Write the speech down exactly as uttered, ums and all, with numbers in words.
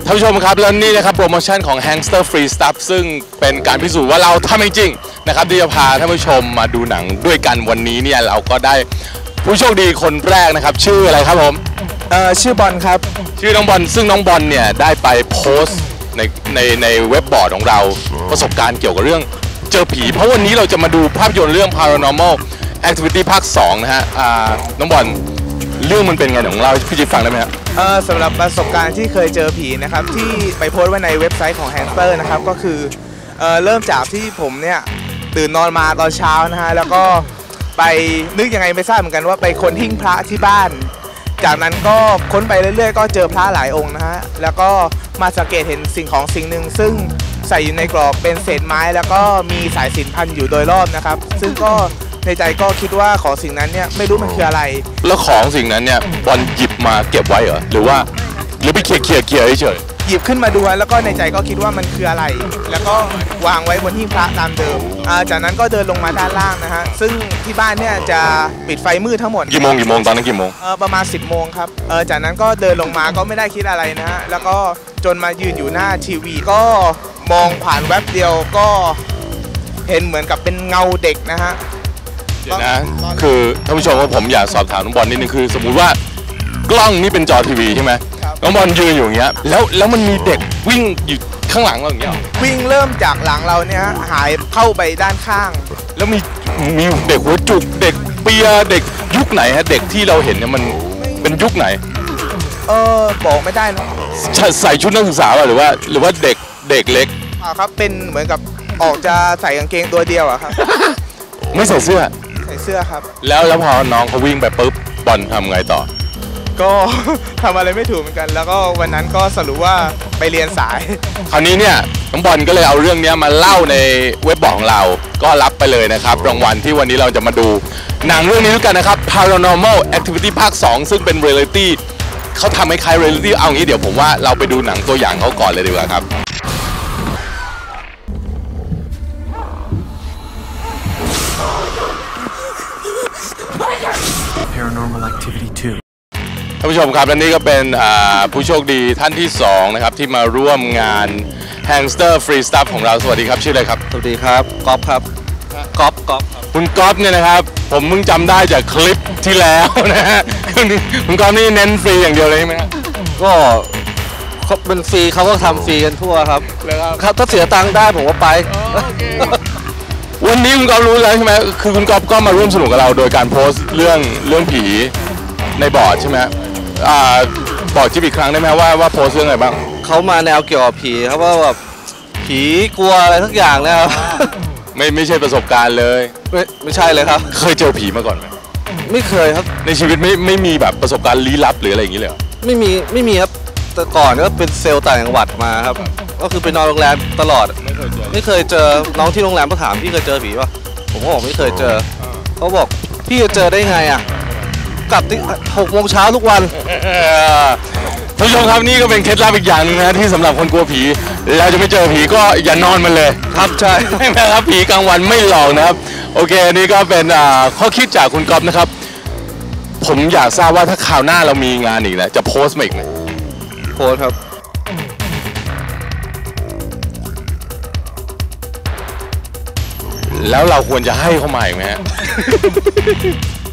ท่านผู้ชมครับแล้วนี่นะครับโปรโมชั่นของ Hangster Free Stuff ซึ่งเป็นการพิสูจน์ว่าเราทำจริงๆนะครับที่จะพาท่านผู้ชมมาดูหนังด้วยกันวันนี้เนี่ยเราก็ได้ผู้โชคดีคนแรกนะครับชื่ออะไรครับผมเอ่อชื่อบอลครับชื่อน้องบอลซึ่งน้องบอลเนี่ยได้ไปโพสต์ในในในเว็บบอร์ดของเราประสบการณ์เกี่ยวกับเรื่องเจอผีเพราะวันนี้เราจะมาดูภาพยนตร์เรื่อง Paranormal Activity ภาคสองนะฮะน้องบอลเรื่องมันเป็นไงของเราพี่จิ๊บฟังได้ไหมครับเออสำหรับประสบการณ์ที่เคยเจอผีนะครับที่ไปโพสต์ไว้ในเว็บไซต์ของ Hangster นะครับก็คือเออเริ่มจากที่ผมเนี่ยตื่นนอนมาตอนเช้านะฮะแล้วก็ไปนึกยังไงไม่ทราบเหมือนกันว่าไปค้นหิ้งพระที่บ้านจากนั้นก็ค้นไปเรื่อยๆก็เจอพระหลายองค์นะฮะแล้วก็มาสังเกตเห็นสิ่งของสิ่งหนึ่งซึ่งใส่อยู่ในกรอบเป็นเศษไม้แล้วก็มีสายสิญจน์พันอยู่โดยรอบนะครับซึ่งก็ในใจก็คิดว่าของสิ่งนั้นเนี่ยไม่รู้มันคืออะไรแล้วของสิ่งนั้นเนี่ยบอลหยิบมาเก็บไว้เหรอหรือว่าหรือไปเขี่ยเขี่ยเขี่ยเฉยหยิบขึ้นมาดูแล้วก็ในใจก็คิดว่ามันคืออะไรแล้วก็วางไว้บนหิ้งพระตามเดิมจากนั้นก็เดินลงมาด้านล่างนะฮะซึ่งที่บ้านเนี่ยจะปิดไฟมืดทั้งหมดกี่โมงกี่โมงตอนนั้นกี่โมงเออประมาณสิบโมงครับเออจากนั้นก็เดินลงมาก็ไม่ได้คิดอะไรนะฮะแล้วก็จนมายืนอยู่หน้าทีวีก็มองผ่านแวบเดียวก็เห็นเหมือนกับเป็นเงาเด็กนะฮะเดี๋ยวนะคือท่านผู้ชมว่าผมอยากสอบถามน้องบอลนิดนึงคือสมมุติว่ากล้องนี่เป็นจอทีวีใช่ไหมน้องบอลยืนอยู่อย่างเงี้ยแล้วแล้วมันมีเด็กวิ่งอยู่ข้างหลังเราอย่างเงี้ยวิ่งเริ่มจากหลังเราเนี่ยหายเข้าไปด้านข้างแล้วมีมีเด็กหัวจุกเด็กเปียเด็กยุคไหนฮะเด็กที่เราเห็นเนี่ยมันเป็นยุคไหนเออบอกไม่ได้นะใส่ชุดนักศึกษาหรือว่าหรือว่าเด็กเด็กเล็กอ่าครับเป็นเหมือนกับออกจะใส่กางเกงตัวเดียวอะครับไม่ใส่เสื้อใส่เสื้อครับแล้วแล้วพอน้องเขาวิ่งไปปุ๊บบอลทำไงต่อก็ทำอะไรไม่ถูกเหมือนกันแล้วก็วันนั้นก็สรุปว่าไปเรียนสายคราวนี้เนี่ยน้องบอลก็เลยเอาเรื่องนี้มาเล่าในเว็บบอร์ดของเราก็รับไปเลยนะครับรางวัลที่วันนี้เราจะมาดูหนังเรื่องนี้ด้วยกันนะครับ Paranormal Activity ภาคสองซึ่งเป็น Reality เขาทำให้คล้าย Reality เอางี้เดี๋ยวผมว่าเราไปดูหนังตัวอย่างเขาก่อนเลยดีกว่าครับ Paranormal Activity ทูท่านผู้ชมครับและนี่ก็เป็นผู้โชคดีท่านที่สองนะครับที่มาร่วมงาน Hangster Free Stuff ของเราสวัสดีครับชื่ออะไรครับสวัสดีครับก๊อฟครับก๊อฟก๊อฟคุณก๊อฟเนี่ยนะครับผมเพิ่งจำได้จากคลิปที่แล้วนะฮะคุณก๊อฟนี่เน้นฟรีอย่างเดียวเลยใช่ไหมก็เป็นฟรีเขาก็ทำฟรีกันทั่วครับครับถ้าเสียตังค์ได้ผมก็ไปวันนี้คุณก๊อฟรู้แล้วใช่ไหมคือคุณก๊อฟก็มาร่วมสนุกกับเราโดยการโพสต์เรื่องเรื่องผีในบอร์ดใช่ไหมอ่าบอกจิ๊บอีกครั้งได้ไหมว่าว่าโพสต์เรื่องอะไรบ้างเขามาแนวเกี่ยวกับผีครับว่าแบบผีกลัวอะไรทุกอย่างนะครับไม่ไม่ใช่ประสบการณ์เลยไม่ไม่ใช่เลยครับเคยเจอผีมาก่อนไหมไม่เคยครับในชีวิตไม่ไม่มีแบบประสบการณ์ลี้ลับหรืออะไรอย่างนี้เลยไม่มีไม่มีครับแต่ก่อนก็เป็นเซลล์ต่างจังหวัดมาครับก็คือไปนอนโรงแรมตลอดไม่เคยเจอไม่เคยเจอน้องที่โรงแรมก็ถามพี่เคยเจอผีป่ะผมก็บอกไม่เคยเจอเขาบอกพี่จะเจอได้ไงอ่ะกลับที่หกโมงเช้าทุกวันท่านผู้ชมครับนี่ก็เป็นเคล็ดลับอีกอย่างนึงนะที่สำหรับคนกลัวผีเราจะไม่เจอผีก็อย่านอนมันเลยครับใช่ไหมครับผีกลางวันไม่หลอกนะครับโอเคนี่ก็เป็นข้อคิดจากคุณก๊อฟนะครับผมอยากทราบว่าถ้าคราวหน้าเรามีงานอีกนะจะโพสต์มาอีกไหมโพสต์ครับแล้วเราควรจะให้เขามาอีกไหมฮะ